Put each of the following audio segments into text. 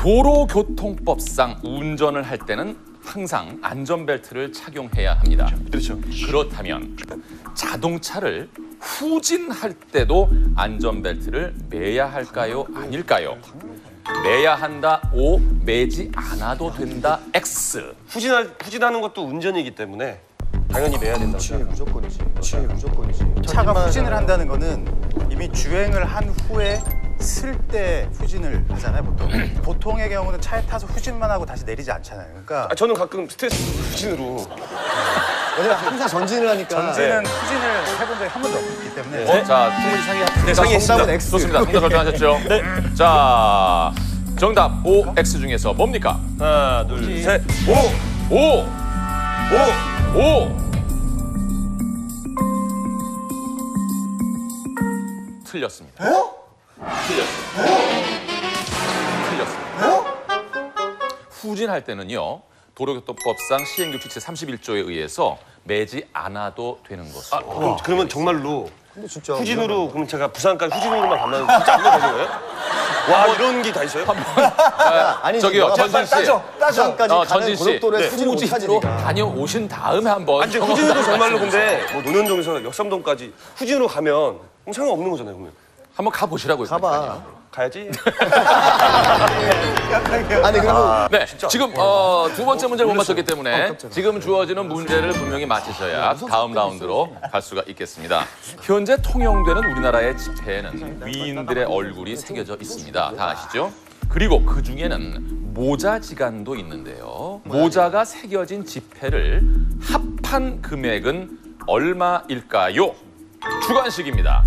도로교통법상 운전을 할 때는 항상 안전벨트를 착용해야 합니다. 그렇죠. 그렇다면 자동차를 후진할 때도 안전벨트를 매야 할까요? 아닐까요? 매야 한다 O, 매지 않아도 된다 X. 후진하는 것도 운전이기 때문에 당연히 매야 된다고 생각합니다. 무조건이지. 차가 후진을 한다는 거는 이미 주행을 한 후에 쓸 때 후진을 하잖아요, 보통. 보통의 경우는 차에 타서 후진만 하고 다시 내리지 않잖아요. 그러니까 저는 가끔 스트레스 후진으로. 왜냐면 항상 전진을 하니까. 전진은 후진을 해본 적이 한 번도 없기 때문에. 자, 충분히 상의했습니다. 상의했습니다. X. 좋습니다. 정답 결정하셨죠? 네. 자, 정답 O, X 중에서 뭡니까? 하나, 둘, 셋. O! 틀렸습니다. 틀렸습니다. 후진할 때는요, 도로교통법상 시행규칙 제31조에 의해서 매지 않아도 되는 것으로. 그러면 정말로 근데 진짜 후진으로 그럼 제가 부산까지 후진으로만 가면 진짜 안 되는 거예요? 와, 이런 게 다 있어요? 아니 저기요, 전진 씨. 부산까지 가는 전진 씨. 고속도로에 후진을 못 후진으로 찾으니까. 다녀오신 다음에 한번. 아니, 후진으로 정말로 근데 뭐 논현동에서 역삼동까지 후진으로 가면 그럼 상관없는 거잖아요, 그러면. 한번 가보시라고요. 가봐. 가야지. 아니 그리고 네, 지금 두 번째 문제를 못 맞췄기 때문에 지금 주어지는 문제를 분명히 맞히셔야 다음 라운드로 갈 수가 있겠습니다. 현재 통용되는 우리나라의 지폐에는 위인들의 얼굴이 새겨져 있습니다. 다 아시죠? 그리고 그 중에는 모자지간도 있는데요. 모자가 새겨진 지폐를 합한 금액은 얼마일까요? 주관식입니다.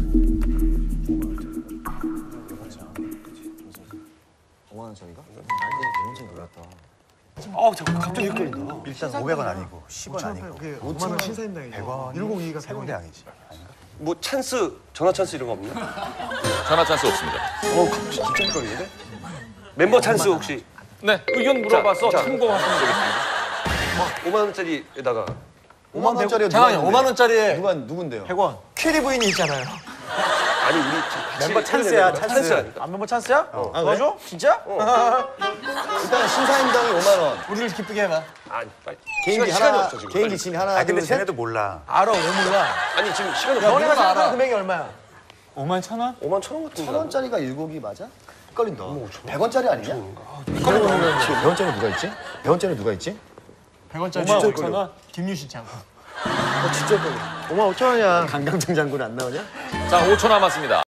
잠깐 갑자기 헷갈린다. 일단 500원 아니고 10원 아니고 5만 원 신사임당이죠. 100원 102가 세운대항이지. 뭐 찬스, 전화 찬스 이런 거 없나? 전화 찬스 없습니다. 진짜 헷갈리는데? 멤버 찬스 혹시 네, 의견 물어봐서 자. 참고하시면 되겠습니다. 5만 원짜리에다가 5만 원짜리 잠깐만요. 5만 원짜리에 누군데요? 100원. 퀴리 부인이 있잖아요. 아니 우리 같이 멤버 찬스야, 찬스. 아닐까? 안 멤버 찬스야? 도와줘? 진짜? 일단 신사임당이 5만 원. 우리를 기쁘게 해봐. 아니 빨리. 개인기 시간이 하나, 없어 지금. 개인기 빨리. 짐 하나, 아 근데 둘, 셋. 쟤네도 몰라. 알아, 왜 몰라? 아니 지금 시간이 야, 없어. 너네가 생각하는 알아. 금액이 얼마야? 5만 천 원 같은데. 1,000원짜리가 일곡이 맞아? 헷갈린다. 100원짜리 아니냐? 100원짜리 누가 있지? 100원짜리 누가 있지? 100원짜리 5만 5천 원? 김유신 장군. 진짜 헷갈려. 5만 5천 원이야. 강강정 장군 안 나오냐? 자, 5초 남았습니다.